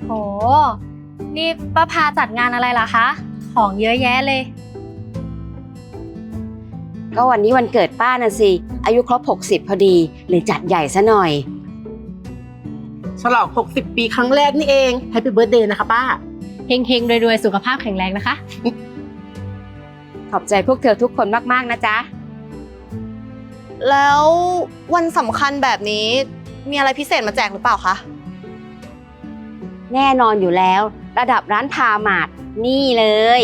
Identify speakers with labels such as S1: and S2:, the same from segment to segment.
S1: โหนี่ป้าพาจัดงานอะไรล่ะคะของเยอะแยะเลย
S2: ก็วันนี้วันเกิดป้าน่ะสิอายุครบ60พอดีเลยจัดใหญ่ซะหน่อย
S3: ฉลอง60 ปีครั้งแรกนี่เองแฮปปี้เบิร์ธเดย์นะคะป้า
S1: เฮงๆรวยๆสุขภาพแข็งแรงนะคะ
S2: ขอบใจพวกเธอทุกคนมากๆนะจ๊ะ
S4: แล้ววันสำคัญแบบนี้มีอะไรพิเศษมาแจกหรือเปล่าคะ
S2: แน่นอนอยู่แล้วระดับร้านพามาร์ทนี่เลย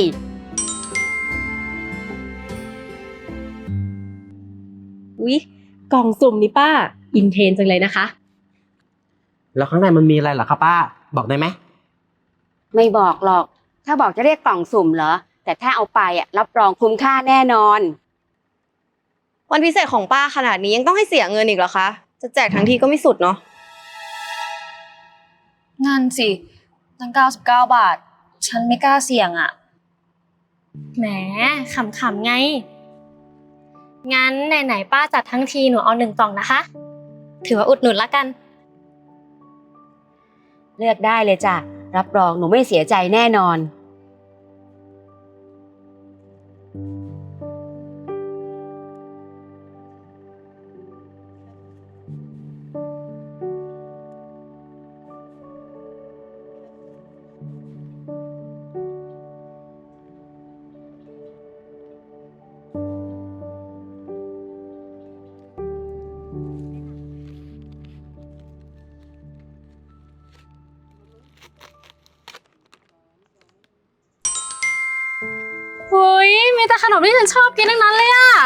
S1: อุ๊ยกล่องสุ่มนี่ป้าอินเทรนจังเลยนะคะ
S3: แล้วข้างในมันมีอะไรเหรอคะป้าบอกได้ไหม
S2: ไม่บอกหรอกถ้าบอกจะเรียกกล่องสุ่มเหรอแต่ถ้าเอาไปรับรองคุ้มค่าแน่นอน
S4: วันพิเศษของป้าขนาดนี้ยังต้องให้เสียเงินอีกเหรอคะ จะแจกทั้งทีก็ไม่สุดเนาะ
S1: งั้นสิตั้ง99 บาท ฉันไม่กล้าเสี่ยงอ่ะ แหมขำๆไง งั้นไหนๆป้าจัดทั้งทีหนูเอา1 กล่องนะคะ ถือว่าอุดหนุนละกัน
S2: เลือกได้เลยจ้ะรับรองหนูไม่เสียใจแน่นอน
S1: เฮ้ยมีแต่ขนมที่ฉันชอบกินทั้งนั้นเลยอ่ะ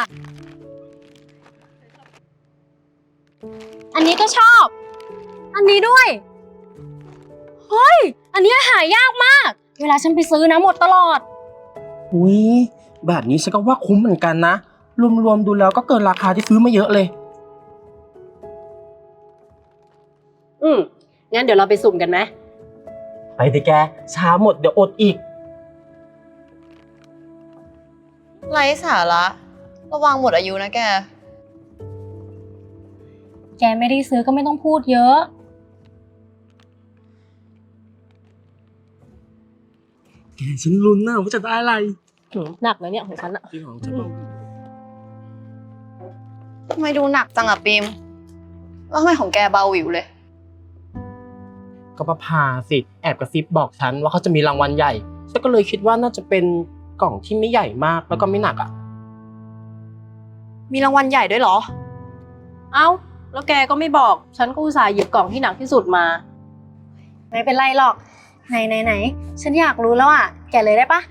S1: อันนี้ก็ชอบ อันนี้ด้วย เฮ้ย อันนี้หายากมาก เวลาฉันไปซื้อนะหมดตลอด
S3: อุ้ยแบบนี้ฉันก็ว่าคุ้มเหมือนกันนะรวมๆดูแล้วก็เกินราคาที่ซื้อมาเยอะเลย
S1: งั้นเดี๋ยวเราไปสุ่มกันไหม
S3: ไปดิแกช้าหมดเดี๋ยวอดอีก
S4: ไร้สาระระวังหมดอายุนะแก
S1: แกไม่ได้ซื้อก็ไม่ต้องพูดเยอะ
S3: แกฉันลุ้นนะว่าจะได้อะไร
S1: หนักเลยเนี่ยของฉันอะ
S3: จริงของจะบอก
S4: ทำไมดูหนักจังอะปิมแล้วทำไมของแกเบาหวิวเลย
S3: ก็ป้าพาสิแอบกระซิบบอกฉันว่าเขาจะมีรางวัลใหญ่ฉันก็เลยคิดว่าน่าจะเป็นกล่องที่ไม่ใหญ่มากแล้วก็ไม่หนักอ่ะ
S4: มีรางวัลใหญ่ด้วยเหรอ
S5: เอ้าแล้วแกก็ไม่บอก ฉันก็อุตส่าห์หยิบกล่องที่หนักที่สุดมา
S1: ไม่เป็นไรหรอก ไหน ฉันอยากรู้แล้วอ่ะ แกเลยได้ปะ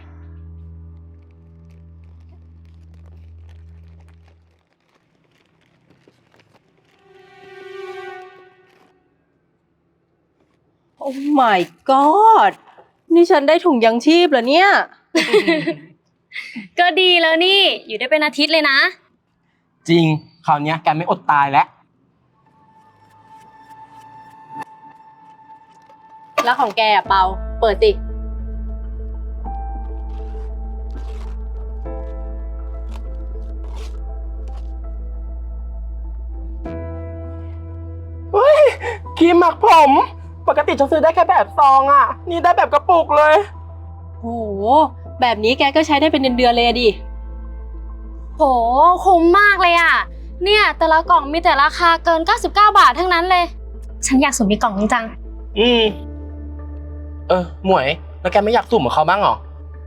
S5: โอ้ my god นี่ฉันได้ถุงยังชีพเหรอเนี่ย
S1: ก็ดีแล้วนี่ อยู่ได้เป็นอาทิตย์เลยนะ
S3: จริงคราวนี้แกไม่อดตายแล้ว
S5: แล้วของแกอะเปา เปิดสิ
S3: ครีมหมักผมปกติฉันซื้อได้แค่แบบซองอ่ะนี่ได้แบบกระปุกเลย
S5: โอ้โห แบบนี้แกก็ใช้ได้เป็นเดือนๆเลยอะดิ
S1: โห คุ้มมากเลยอ่ะ เนี่ยแต่ละกล่องมีแต่ราคาเกิน99 บาททั้งนั้นเลย ฉันอยากสุ่มอีกกล่องจัง
S3: หมวยแล้วแกไม่อยากสุ่มกับเขาบ้างเหรอ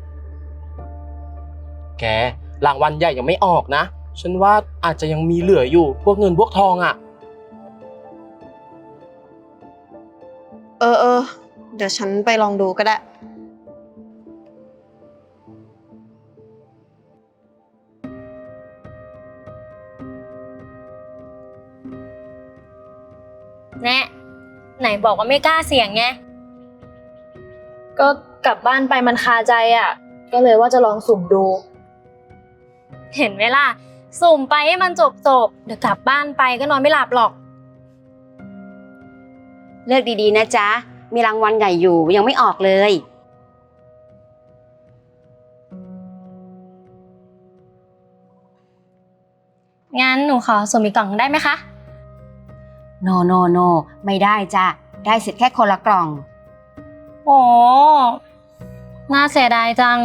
S3: แกรางวัลใหญ่ยังไม่ออกนะฉันว่าอาจจะยังมีเหลืออยู่พวกเงินพวกทองอ่ะ
S4: เออ เดี๋ยวฉันไปลองดูก็ได้
S1: แน่ไหนบอกว่าไม่กล้าเสี่ยงไง ก็กลับบ้านไปมันคาใจอ่ะ ก็เลยว่าจะลองสุ่มดู เห็นไหมล่ะ สุ่มไปให้มันจบเดี๋ยวกลับบ้านไปก็นอนไม่หลับหรอก
S2: เลือกดีๆนะจ๊ะมีรางวัลใหญ่อยู่ยังไม่ออกเลย
S1: งั้นหนูขอสุ่มอีกกล่องได้ไหมคะ
S2: โนไม่ได้จ้ะได้สิทธิ์แค่คนละกล่อง
S1: โอ้น่าเสียดายจัง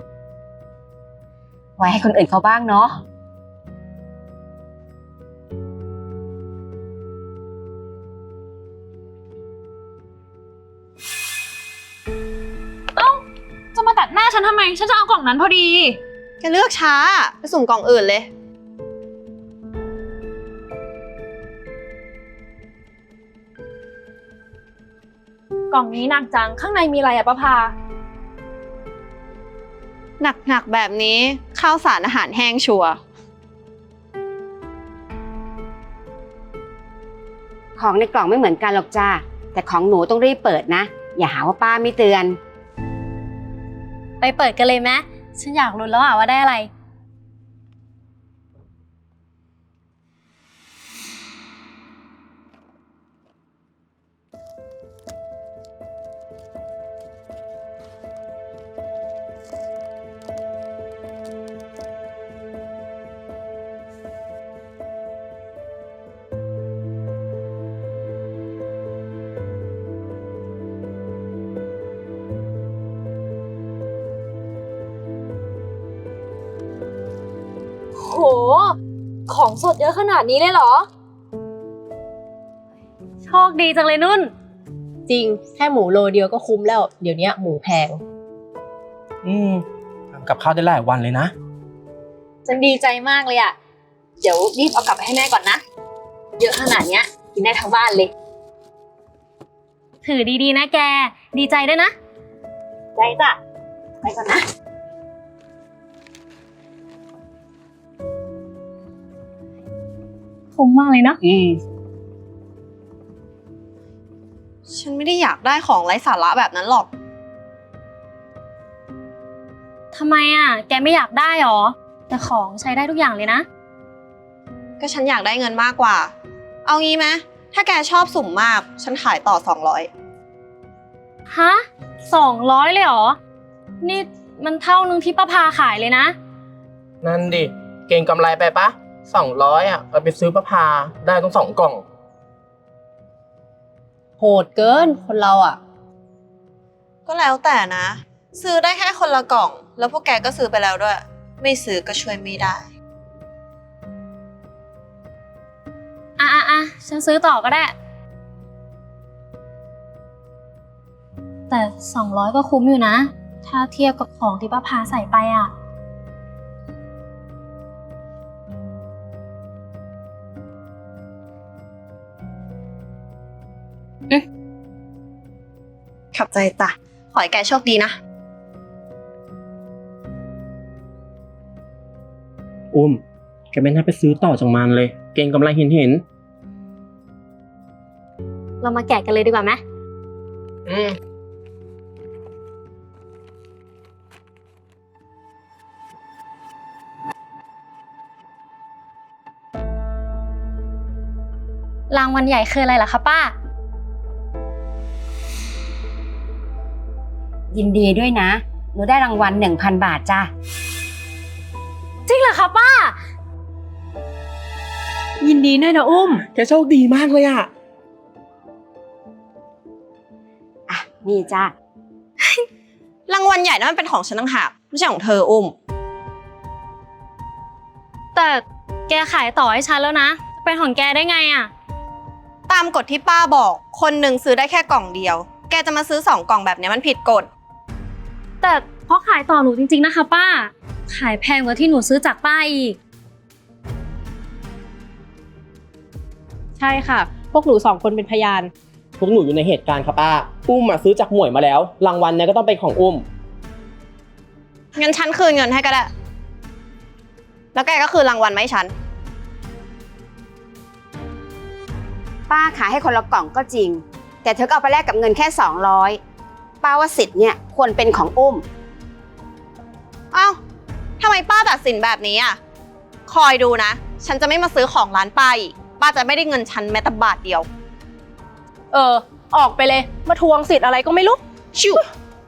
S2: ไว้ให้คนอื่นเขาบ้างเนาะ
S6: จะมาตัดหน้าฉันทำไม ฉันจะเอากล่องนั้นพอดี
S4: แกเลือกช้า ไปสุ่มกล่องอื่นเลย
S6: กล่องนี้หนักจัง ข้างในมีอะไรอะป้าพา
S4: หนักๆแบบนี้ข้าวสารอาหารแห้งชัวร์
S2: ของในกล่องไม่เหมือนกันหรอกจ้าแต่ของหนูต้องรีบเปิดนะ อย่าหาว่าป้าไม่เตือน
S1: ไปเปิดกันเลยไหมฉันอยากรู้แล้วว่าได้อะไร
S6: โห ของสดเยอะขนาดนี้เลยเหรอ
S1: โชคดีจังเลยนุ่น
S5: จริง แค่หมูโลเดียวก็คุ้มแล้ว เดี๋ยวนี้หมูแพง
S3: ทำกับข้าวได้หลายวันเลยนะ
S6: ฉันดีใจมากเลยอะเดี๋ยวรีบเอากลับไปให้แม่ก่อนนะ เยอะขนาดเนี้ยกินได้ทั้งบ้านเลย
S1: ถือดีๆนะแก ดีใจด้วยนะ
S6: ได้จ้ะ ไปก่อนนะ
S1: คุ้มมากเลยเนาะ
S4: ฉันไม่ได้อยากได้ของไร้สาระแบบนั้นหรอก
S1: ทำไมอ่ะ แกไม่อยากได้หรอ แต่ของใช้ได้ทุกอย่างเลยนะ
S4: ก็ฉันอยากได้เงินมากกว่า เอางี้ไหมถ้าแกชอบสุ่มมาก ฉันขายต่อ 200
S1: ฮะ200เลยเหรอ นี่มันเท่านึงที่ป้าพาขายเลยนะ
S3: นั่นดิ เก่งกำไรไปปะ200อ่ะเอาไปซื้อประพาได้ต้อง2 กล่อง
S5: โหดเกินคนเราอ่ะ
S4: ก็แล้วแต่นะ ซื้อได้แค่คนละกล่อง แล้วพวกแกก็ซื้อไปแล้วด้วย ไม่ซื้อก็ช่วยไม่ได้
S1: อ่ะฉันซื้อต่อก็ได้ แต่200ก็คุ้มอยู่นะ ถ้าเทียบกับของที่ป้าพาใส่ไปอ่ะ
S4: ขับใจจ้ะ ขอให้แกโชคดีนะ
S3: อุ้มแกไม่น่าไปซื้อต่อจากมันเลย เก่งกำไรเห็น
S1: เรามาแกะกันเลยดีกว่าไหม
S3: อืม
S1: รางวัลใหญ่คืออะไรล่ะคะป้า
S2: ยินดีด้วยนะ หนูได้รางวัล 1,000 บาทจ้า
S1: จริงเหรอคะป้า
S5: ยินดีด้วยนะอุ้ม
S3: แกโชคดีมากเลยอ่ะ
S2: อ่ะ นี่จ้าร
S4: างวัลใหญ่นั้นมันเป็นของฉันต่างหากไม่ใช่ของเธออุ้ม
S1: แต่แกขายต่อให้ฉันแล้วนะ เป็นของแกได้ไงอ่ะ
S4: ตามกฎที่ป้าบอก คนหนึ่งซื้อได้แค่กล่องเดียว แกจะมาซื้อ2 กล่องแบบนี้มันผิดกฎ
S1: แต่เพราะขายต่อหนูจริงๆนะคะป้า ขายแพงกว่าที่หนูซื้อจากป้าอีก
S5: ใช่ค่ะ พวกหนู2 คนเป็นพยาน
S3: พวกหนูอยู่ในเหตุการณ์ครับป้า อุ้มซื้อจากหมวยมาแล้ว รางวัลเนี่ยก็ต้องเป็นของอุ้ม
S4: งั้นฉันคืนเงินให้ก็ได้ แล้วแกก็คืนรางวัลมาให้ฉัน
S2: ป้าขายให้คนละกล่องก็จริง แต่เธอก็เอาไปแลกกับเงินแค่ 200 ป้าว่าสิทธิ์เนี่ยควรเป็นของอุ้ม
S4: เอ้าทำไมป้าตัดสินแบบนี้อ่ะ คอยดูนะ ฉันจะไม่มาซื้อของร้านป้าอีก ป้าจะไม่ได้เงินฉันแม้แต่บาทเดียว
S5: ออกไปเลย มาทวงสิทธิ์อะไรก็ไม่รู้
S4: ชิว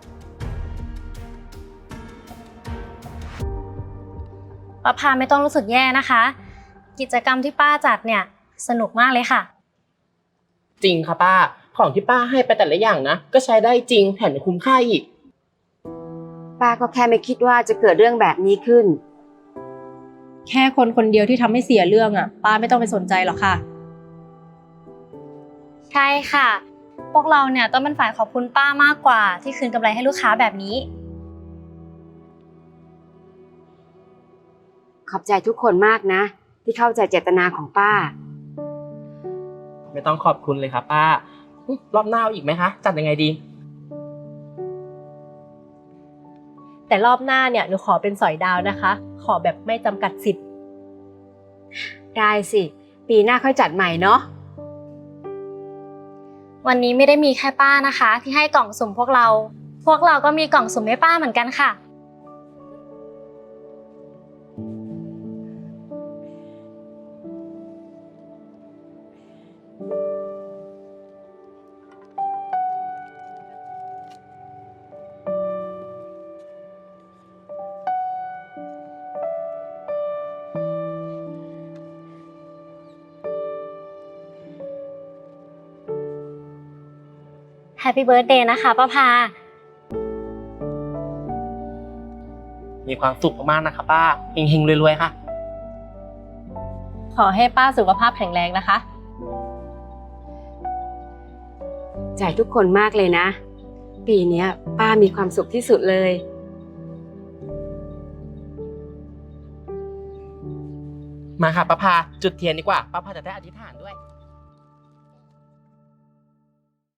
S1: ป้าพาไม่ต้องรู้สึกแย่นะคะ กิจกรรมที่ป้าจัดเนี่ยสนุกมากเลยค่ะ
S3: จริงค่ะป้าของที่ป้าให้ไปแต่ละอย่างนะก็ใช้ได้จริงแถมยังคุ้มค่าอีก
S2: ป้าก็แค่ไม่คิดว่าจะเกิดเรื่องแบบนี้ขึ้น
S5: แค่คนคนเดียวที่ทำให้เสียเรื่องอ่ะ ป้าไม่ต้องไปสนใจหรอกค่ะ
S1: ใช่ค่ะ พวกเราเนี่ยต้องเป็นฝ่ายขอบคุณป้ามากกว่าที่คืนกำไรให้ลูกค้าแบบนี้
S2: ขอบใจทุกคนมากนะ ที่เข้าใจเจตนาของป้า
S3: ไม่ต้องขอบคุณเลยครับป้ารอบหน้าเอาอีกไหมคะจัดยังไงดี
S5: แต่รอบหน้าเนี่ยหนูขอเป็นสอยดาวนะคะ ขอแบบไม่จำกัดสิทธิ์
S2: ได้สิ ปีหน้าค่อยจัดใหม่เนาะ
S1: วันนี้ไม่ได้มีแค่ป้านะคะ ที่ให้กล่องสุ่มพวกเราก็มีกล่องสุ่มให้ป้าเหมือนกันค่ะ Happy Birthday นะคะป้าพา
S3: มีความสุขมากๆนะครับป้าเฮงๆรวยๆค่ะ
S5: ขอให้ป้าสุขภาพแข็งแรงนะคะ
S2: ใจทุกคนมากเลยนะ ปีเนี้ยป้ามีความสุขที่สุดเลย
S3: มาค่ะป้าพาจุดเทียนดีกว่าป้าพาจะได้อธิษฐานด้วย